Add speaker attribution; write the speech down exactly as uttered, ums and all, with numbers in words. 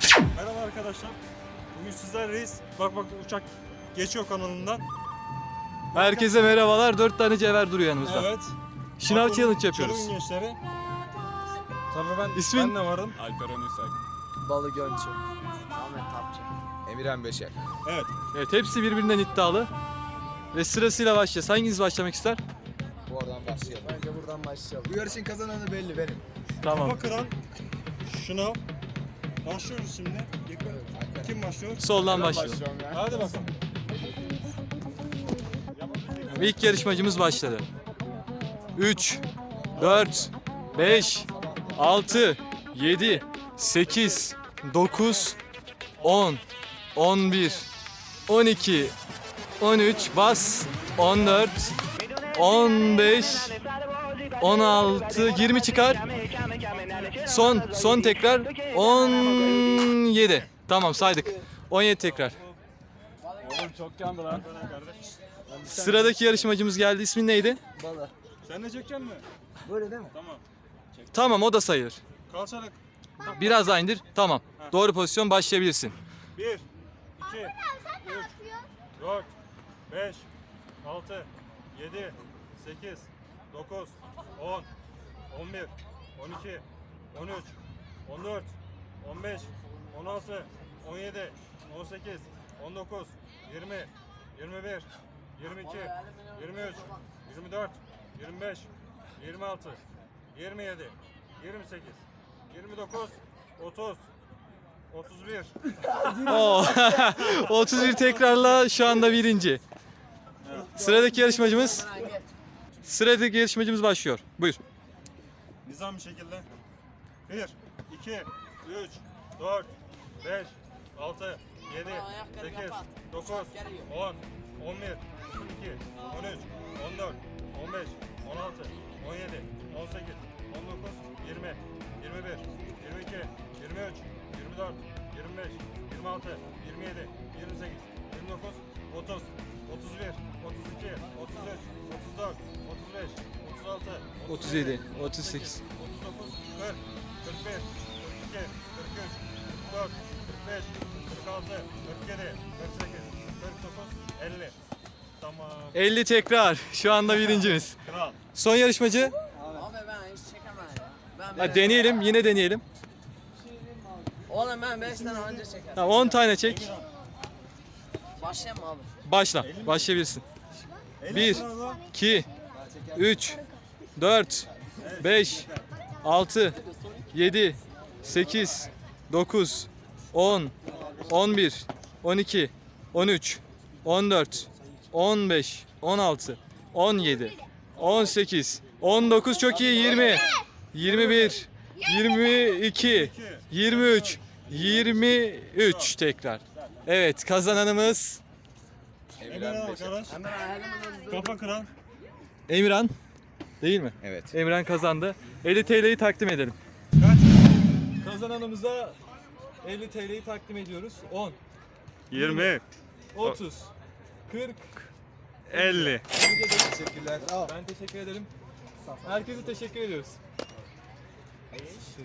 Speaker 1: Merhaba arkadaşlar. Bugün sizlerleyiz. Bak bak uçak geçiyor kanalından.
Speaker 2: Herkese merhabalar. Dört tane cevher duruyor yanımızda.
Speaker 1: Evet.
Speaker 2: Şınav
Speaker 1: Bak,
Speaker 2: challenge
Speaker 1: bunun
Speaker 2: yapıyoruz.
Speaker 1: Çorum'un gençleri. Tabii ben,
Speaker 2: İsmin?
Speaker 1: ben de varım.
Speaker 3: Alperen Üsay.
Speaker 4: Balı Gönçü. Ahmet Tapçı.
Speaker 3: Emirhan Beşer.
Speaker 1: Evet.
Speaker 2: Evet, hepsi birbirinden iddialı. Ve sırasıyla başlayacağız. Hanginiz başlamak ister?
Speaker 3: Bu oradan başlayalım.
Speaker 4: Bence buradan başlayalım.
Speaker 3: Bu yarışın kazananı belli benim.
Speaker 2: Tamam.
Speaker 1: Kafa kıran şınav. Başlıyoruz şimdi. Kim başlıyor?
Speaker 2: Soldan başlayalım.
Speaker 3: ya.
Speaker 1: Hadi bakalım.
Speaker 2: İlk yarışmacımız başladı. üç, dört, beş, altı, yedi, sekiz, dokuz, on, on bir, on iki, on üç, bas, on dört, on beş, on altı, yirmi çıkar. Son, son tekrar on yedi. Tamam, saydık. on yedi tekrar.
Speaker 1: Oğlum çok yandı lan.
Speaker 2: Sıradaki yarışmacımız geldi. İsmin neydi?
Speaker 4: Balı.
Speaker 1: Sen de çekeceksin mi?
Speaker 4: Böyle değil mi?
Speaker 1: Tamam.
Speaker 2: Tamam, o da sayılır.
Speaker 1: Kalçarak.
Speaker 2: Biraz daha indir. Tamam. Doğru pozisyon, başlayabilirsin.
Speaker 1: bir, iki, üç, dört, beş, altı, yedi, sekiz, dokuz, on, on bir, on iki, on üç, on dört, on beş, on altı, on yedi, on sekiz, on dokuz, yirmi, yirmi bir, yirmi iki, yirmi üç, yirmi dört, yirmi beş, yirmi altı, yirmi yedi, yirmi sekiz, yirmi dokuz, otuz, otuz bir.
Speaker 2: Oo. otuz bir tekrarla şu anda birinci. Sıradaki yarışmacımız Sıradaki yarışmacımız başlıyor. Buyur.
Speaker 1: Nizam bir şekilde. bir, iki, üç, dört, beş, altı, yedi, sekiz, dokuz, on, on bir, on iki, on üç, on dört, on beş, on altı, on yedi, on sekiz, on dokuz, yirmi, yirmi bir, yirmi iki, yirmi üç, yirmi dört, yirmi beş, yirmi altı, yirmi yedi, yirmi sekiz, yirmi dokuz, otuz, otuz bir, otuz iki, otuz üç, otuz dört, otuz beş, otuz altı,
Speaker 2: otuz yedi, otuz sekiz.
Speaker 1: otuz dokuz, kırk, kırk bir, kırk iki, kırk üç, kırk dört, kırk beş, kırk altı, kırk yedi, kırk sekiz, kırk dokuz, elli. Tamam.
Speaker 2: elli tekrar. Şu anda birincimiz.
Speaker 1: Kral.
Speaker 2: Son yarışmacı.
Speaker 4: Abi ben hiç çekemem ya. Ben
Speaker 2: Ha, deneyelim. Yine deneyelim.
Speaker 4: Oğlum ben beş tane önce çekerim.
Speaker 2: Tamam, on tane çek.
Speaker 4: Başlayayım mı abi?
Speaker 2: Başla. Başlayabilirsin. bir, iki, üç, dört, beş, altı, yedi, sekiz, dokuz, on, on bir, on iki, on üç, on dört, on beş, on altı, on yedi, on sekiz, on dokuz, çok iyi, yirmi, yirmi bir, yirmi iki, yirmi üç, yirmi üç tekrar. Evet, kazananımız
Speaker 1: Emirhan arkadaş. Kafa kıran.
Speaker 2: Emirhan. Değil mi?
Speaker 3: Evet.
Speaker 2: Emirhan kazandı. elli T L'yi takdim edelim.
Speaker 1: Kaç?
Speaker 2: Kazananımıza elli T L'yi takdim ediyoruz. on,
Speaker 1: yirmi,
Speaker 2: otuz, kırk.
Speaker 1: elli.
Speaker 3: Teşekkürler.
Speaker 2: Ben teşekkür ederim. Herkese teşekkür ediyoruz.